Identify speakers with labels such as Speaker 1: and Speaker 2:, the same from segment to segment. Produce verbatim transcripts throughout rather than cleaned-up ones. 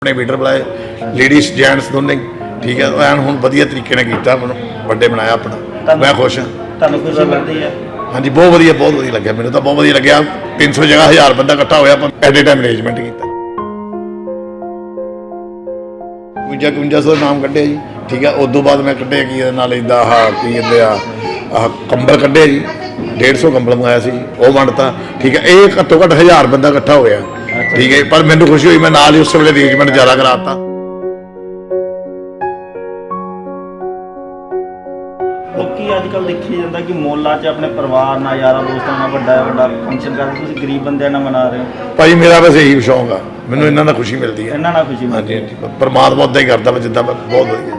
Speaker 1: अपने वीडर बुलाए ladies gents दोनों ठीक है एन हूँ वधिया तरीके ने किया मैं बर्थडे बनाया अपना मैं खुश हाँ।
Speaker 2: खुशी मिलती है
Speaker 1: हाँ जी बहुत वधिया बहुत वधिया लगे मैंने तो बहुत वधिया लगे तीन सौ जगह हज़ार बंदा इकट्ठा होया एट ए टाइम अरेंजमेंट किया कुंजा कुंजा सौ नाम कढ़े जी ठीक है उदों बाद मैं कढ़े की नाल इदा आह की कहते आ कंबल कढ़े जी डेढ़ सौ कंबल मंगाया सी वो वंडता ठीक है ये घट्टो घट्ट हज़ार बंदा इकट्ठा होया ठीक है पर मैंने खुशी हुई मैं नाल ही उस वे अरेंजमेंट ज़्यादा कराता
Speaker 2: अजकल देखी जाता कि मोहल्ला च अपने परिवार ना यारा दोस्तों ना बड़ा बड़ा फंक्शन करते तुम गरीब बंदे ना मना रहे हो
Speaker 1: भाई मेरा बस यही शौक है मैंने इन्हों ना खुशी मिलती है
Speaker 2: इन्हों ना खुशी
Speaker 1: हाँ जी परमात्मा उदा ही करता मैं जिदा बहुत वधिया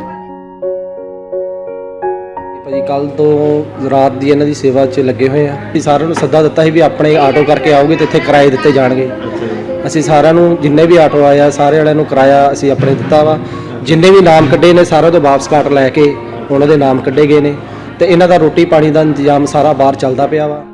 Speaker 3: ਭਾਜੀ ਕੱਲ ਤੋਂ ਰਾਤ ਦੀ ਇਹਨਾਂ ਦੀ ਸੇਵਾ 'ਚ ਲੱਗੇ ਹੋਏ ਆ ਅਸੀਂ ਸਾਰਿਆਂ ਨੂੰ ਸੱਦਾ ਦਿੱਤਾ ਸੀ ਵੀ ਆਪਣੇ ਆਟੋ ਕਰਕੇ ਆਓਗੇ ਤੇ ਇੱਥੇ ਕਿਰਾਏ ਦਿੱਤੇ ਜਾਣਗੇ ਅਸੀਂ ਸਾਰਿਆਂ ਨੂੰ ਜਿੰਨੇ ਵੀ ਆਟੋ ਆਇਆ ਸਾਰੇ ਵਾਲਿਆਂ ਨੂੰ ਕਿਰਾਇਆ ਅਸੀਂ ਆਪਣੇ ਦਿੱਤਾ ਵਾ ਜਿੰਨੇ ਵੀ ਨਾਮ ਕੱਢੇ ਨੇ ਸਾਰਿਆਂ ਤੋਂ ਵਾਪਸ ਕਾਟ ਲੈ ਕੇ ਉਹਨਾਂ ਦੇ ਨਾਮ ਕੱਢੇ ਗਏ ਨੇ ਤੇ ਇਹਨਾਂ ਦਾ ਰੋਟੀ ਪਾਣੀ ਦਾ ਇੰਤਜ਼ਾਮ ਸਾਰਾ ਬਾਹਰ ਚੱਲਦਾ ਪਿਆ ਵਾ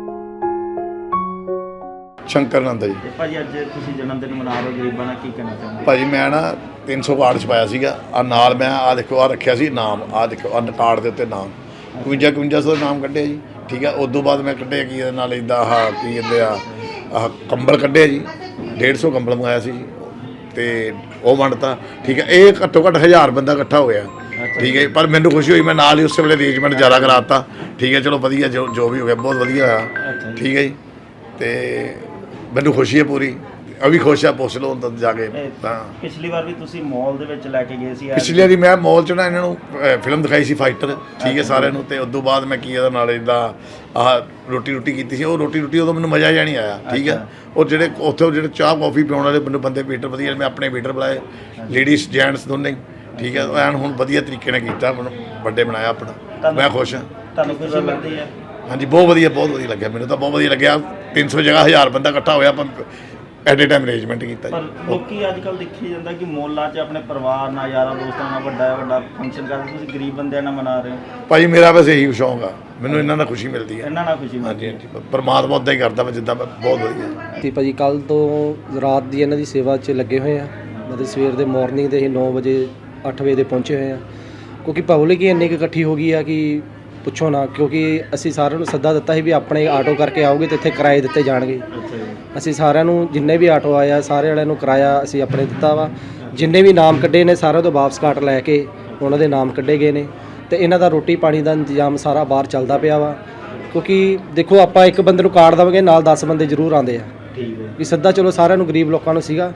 Speaker 1: शंकर नंद जी
Speaker 2: ਭਾਜੀ ਅੱਜ ਤੁਸੀਂ ਜਨਮ ਦਿਨ ਮਨਾ ਰਹੇ ਹੋ ਗਰੀਬਾਂ ਨਾਲ ਕੀ ਕਹਿਣਾ ਚਾਹੁੰਦੇ
Speaker 1: ਭਾਜੀ ਮੈਂ ਨਾ तीन सौ ਕਾਰਡ ਛਪਾਇਆ ਸੀਗਾ ਆ ਨਾਲ ਮੈਂ ਆ ਦੇਖੋ ਆ ਰੱਖਿਆ ਸੀ ਨਾਮ ਆ ਦੇਖੋ ਆ ਕਾਰਡ ਦੇ ਉੱਤੇ ਨਾਮ ਇਕਵੰਜਾ ਇਕਵੰਜਾ ਸੌ ਨਾਮ ਕੱਢਿਆ ਜੀ ਠੀਕ ਹੈ ਉਦੋਂ ਬਾਅਦ ਮੈਂ ਕੱਢਿਆ ਕੀ ਇਹਦੇ ਨਾਲ ਇਦਾਂ ਆਹ ਕੀ ਕਹਿੰਦੇ ਆ ਆਹ ਕੰਬਲ ਕੱਢਿਆ ਜੀ डेढ़ सौ ਕੰਬਲ ਮੰਗਾਇਆ ਸੀ ਜੀ ਤੇ ਉਹ ਵੰਡਤਾ ਠੀਕ ਹੈ ਇਹ ਘੱਟੋ ਘੱਟ ਹਜ਼ਾਰ ਬੰਦਾ ਇਕੱਠਾ ਹੋਇਆ ठीक है पर मैंने खुशी हुई मैं नाल ही उस वे अरेंजमेंट ज़्यादा कराता ठीक है चलो वधिया जो जो भी हो गया बहुत वधिया होया ठीक है जी तो मैनू खुशी है पूरी अभी खुश है पुछ लो अंदर जाके
Speaker 2: पिछली बार भी तुसी मॉल दे विच लैके गए सी
Speaker 1: पिछली बारी मैं मॉल च ना इन्हों फिल्म दिखाई सी फाइटर ठीक है सारे नूं ते उदों बाद मैं की इहदे नाल इदां आह रोटी रोटी की थी वो रोटी रोटी उदों मैनूं मज़ा जिहा नहीं आया ठीक है और जिहड़े उत्थे जिहड़े चाह कॉफ़ी पिआउण वाले मैनूं बंदे वेटर वधिया मैं अपने वेटर बुलाए लेडीज जेंट्स दोनों ठीक है एन हूँ वधिया तरीके ने किया मैं बर्थडे बनाया अपना मैं खुश हाँ।
Speaker 2: खुशी मिलती है
Speaker 1: हाँ जी बहुत वधिया बहुत वधिया लगे मैंने तो बहुत वधिया लगे तीन सौ जगह हज़ार बंदा इकट्ठा होया एट ए टाइम अरेंजमेंट किया
Speaker 2: पर लोग अजकल देखी जाता कि मोहल्ला च अपने परिवार ना यारा दोस्तों ना बड़ा बड़ा फंक्शन करते तुम गरीब बंदे ना मना रहे हो
Speaker 1: भाई मेरा बस यही शौक है मैंने इन्हों खुशी मिलती है
Speaker 2: इन्हों खुशी
Speaker 1: हाँ जी परमात्मा उदा ही करता मैं जिदा बहुत वधिया
Speaker 3: ਤੇ ਭਾਜੀ ਕੱਲ ਤੋਂ ਰਾਤ ਦੀ ਇਹਨਾਂ ਦੀ ਸੇਵਾ 'ਚ ਲੱਗੇ ਹੋਏ ਆ ਮਤਲਬ ਸਵੇਰ ਦੇ ਮਾਰਨਿੰਗ ਦੇ ਅਸੀਂ ਨੌ ਵਜੇ ਅੱਠ ਵਜੇ ਦੇ ਪਹੁੰਚੇ ਹੋਏ ਆ ਕਿਉਂਕਿ ਪਬਲਿਕ ਹੀ ਇੰਨੀ ਕੁ ਇਕੱਠੀ ਹੋ ਗਈ ਆ ਕਿ ਪੁੱਛੋ ਨਾ ਕਿਉਂਕਿ ਅਸੀਂ ਸਾਰਿਆਂ ਨੂੰ ਸੱਦਾ ਦਿੱਤਾ ਸੀ ਵੀ ਆਪਣੇ ਆਟੋ ਕਰਕੇ ਆਓਗੇ ਤੇ ਇੱਥੇ ਕਿਰਾਏ ਦਿੱਤੇ ਜਾਣਗੇ ਅਸੀਂ ਸਾਰਿਆਂ ਨੂੰ ਜਿੰਨੇ ਵੀ ਆਟੋ ਆਇਆ ਸਾਰੇ ਵਾਲਿਆਂ ਨੂੰ ਕਿਰਾਇਆ ਅਸੀਂ ਆਪਣੇ ਦਿੱਤਾ ਵਾ ਜਿੰਨੇ ਵੀ ਨਾਮ ਕੱਢੇ ਨੇ ਸਾਰਿਆਂ ਤੋਂ ਵਾਪਸ ਕਾਟ ਲੈ ਕੇ ਉਹਨਾਂ ਦੇ ਨਾਮ ਕੱਢੇ ਗਏ ਨੇ ਤੇ ਇਹਨਾਂ ਦਾ ਰੋਟੀ ਪਾਣੀ ਦਾ ਇੰਤਜ਼ਾਮ ਸਾਰਾ ਬਾਹਰ ਚੱਲਦਾ ਪਿਆ ਵਾ ਕਿਉਂਕਿ ਦੇਖੋ ਆਪਾਂ ਇੱਕ ਬੰਦੇ ਨੂੰ ਕਾਰਡ ਦੇਵਾਂਗੇ ਨਾਲ ਦਸ ਬੰਦੇ ਜ਼ਰੂਰ ਆਉਂਦੇ ਆ
Speaker 2: ਠੀਕ ਹੈ
Speaker 3: ਵੀ ਸੱਦਾ ਚਲੋ ਸਾਰਿਆਂ ਨੂੰ ਗਰੀਬ ਲੋਕਾਂ ਨੂੰ ਸੀਗਾ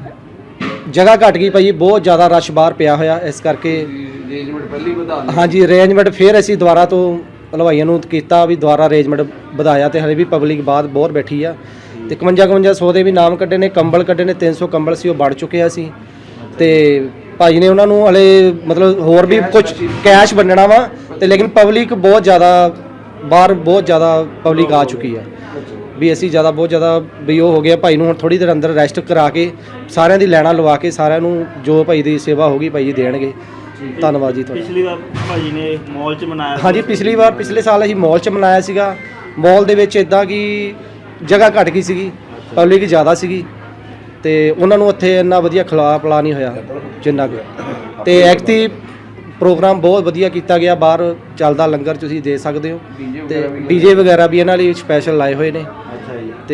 Speaker 3: ਜਗ੍ਹਾ ਘਟ ਗਈ ਭਾਈ ਬਹੁਤ ਜ਼ਿਆਦਾ ਰਸ਼ ਬਾਹਰ ਪਿਆ ਹੋਇਆ ਇਸ ਕਰਕੇ ਅਰੇਂਜਮੈਂਟ ਪਹਿਲੀ ਵਧਾ ਹਾਂਜੀ ਅਰੇਂਜਮੈਂਟ ਫਿਰ ਅਸੀਂ ਦੁਬਾਰਾ ਤੋਂ ਹਲਵਾਈਆਂ ਨੂੰ ਕੀਤਾ ਵੀ ਦੁਬਾਰਾ ਅਰੇਂਜਮੈਂਟ ਵਧਾਇਆ ਤੇ ਹਲੇ ਵੀ ਪਬਲਿਕ ਬਾਅਦ ਬਹੁਤ ਬੈਠੀ ਆ ਤੇ ਇਕਵੰਜਾ ਇਕਵੰਜਾ ਸੌ ਦੇ ਵੀ ਨਾਮ ਕੱਢੇ ਨੇ ਕੰਬਲ ਕੱਢੇ ਨੇ ਤਿੰਨ ਸੌ ਕੰਬਲ ਸੀ ਉਹ ਵੜ ਚੁੱਕੇ ਆ ਸੀ ਤੇ ਭਾਈ ਨੇ ਉਹਨਾਂ ਨੂੰ ਹਲੇ ਮਤਲਬ ਹੋਰ ਵੀ ਕੁਝ ਕੈਸ਼ ਵੰਡਣਾ ਵਾ ਤੇ ਲੇਕਿਨ ਪਬਲਿਕ ਬਹੁਤ ਜ਼ਿਆਦਾ ਬਾਹਰ ਬਹੁਤ ਜ਼ਿਆਦਾ ਪਬਲਿਕ ਆ ਚੁੱਕੀ ਆ ਵੀ ਅਸੀਂ ਜ਼ਿਆਦਾ ਬਹੁਤ ਜ਼ਿਆਦਾ ਵੀ ਉਹ ਹੋ ਗਿਆ ਭਾਈ ਨੂੰ ਹੁਣ ਥੋੜ੍ਹੀ ਦੇਰ ਅੰਦਰ ਰੈਸਟ ਕਰਾ ਕੇ ਸਾਰਿਆਂ ਦੀ ਲੈਣਾ ਲਵਾ ਕੇ ਸਾਰਿਆਂ ਨੂੰ ਜੋ ਭਾਈ ਦੀ ਸੇਵਾ ਹੋਗੀ ਭਾਈ ਜੀ ਦੇਣਗੇ ਧੰਨਵਾਦ ਜੀ ਤੁਹਾਡਾ
Speaker 2: ਪਿਛਲੀ ਵਾਰ ਭਾਜੀ ਨੇ ਮਾਲ 'ਚ ਮਨਾਇਆ
Speaker 3: ਹਾਂਜੀ ਪਿਛਲੀ ਵਾਰ ਪਿਛਲੇ ਸਾਲ ਅਸੀਂ ਮਾਲ 'ਚ ਮਨਾਇਆ ਸੀਗਾ ਮਾਲ ਦੇ ਵਿੱਚ ਇਦਾਂ ਕਿ ਜਗ੍ਹਾ ਘੱਟ ਗਈ ਸੀਗੀ ਪਬਲਿਕ ਜ਼ਿਆਦਾ ਸੀਗੀ ਤੇ ਉਹਨਾਂ ਨੂੰ ਉੱਥੇ ਇੰਨਾ ਵਧੀਆ ਖਿਲਾ ਪਿਲਾ ਨਹੀਂ ਹੋਇਆ ਜਿੰਨਾ ਕੁ ਤੇ ਐਕਟੀ ਪ੍ਰੋਗਰਾਮ ਬਹੁਤ ਵਧੀਆ ਕੀਤਾ ਗਿਆ ਬਾਹਰ ਚੱਲਦਾ ਲੰਗਰ ਤੁਸੀਂ ਦੇ ਸਕਦੇ ਹੋ ਤੇ ਡੀਜੇ ਵਗੈਰਾ ਵੀ ਇਹਨਾਂ ਲਈ ਸਪੈਸ਼ਲ ਲਾਏ ਹੋਏ ਨੇ ਤੇ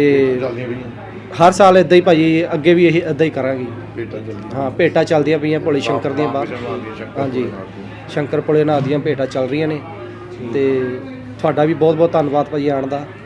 Speaker 3: ਹਰ ਸਾਲ ਇਦਾਂ ਹੀ ਭਾਜੀ ਅੱਗੇ ਵੀ ਇਹ ਇਦਾਂ ਹੀ ਕਰਾਂਗੇ ਹਾਂ ਭੇਟਾਂ ਚੱਲਦੀਆਂ ਪਈਆਂ ਭੋਲੇ ਸ਼ੰਕਰ ਦੀਆਂ ਬਾਹਰ ਹਾਂਜੀ ਸ਼ੰਕਰ ਭੋਲੇ ਨਾਥ ਦੀਆਂ ਭੇਟਾਂ ਚੱਲ ਰਹੀਆਂ ਨੇ ਤੇ ਤੁਹਾਡਾ ਵੀ ਬਹੁਤ ਬਹੁਤ ਧੰਨਵਾਦ ਭਾਜੀ ਆਉਣ ਦਾ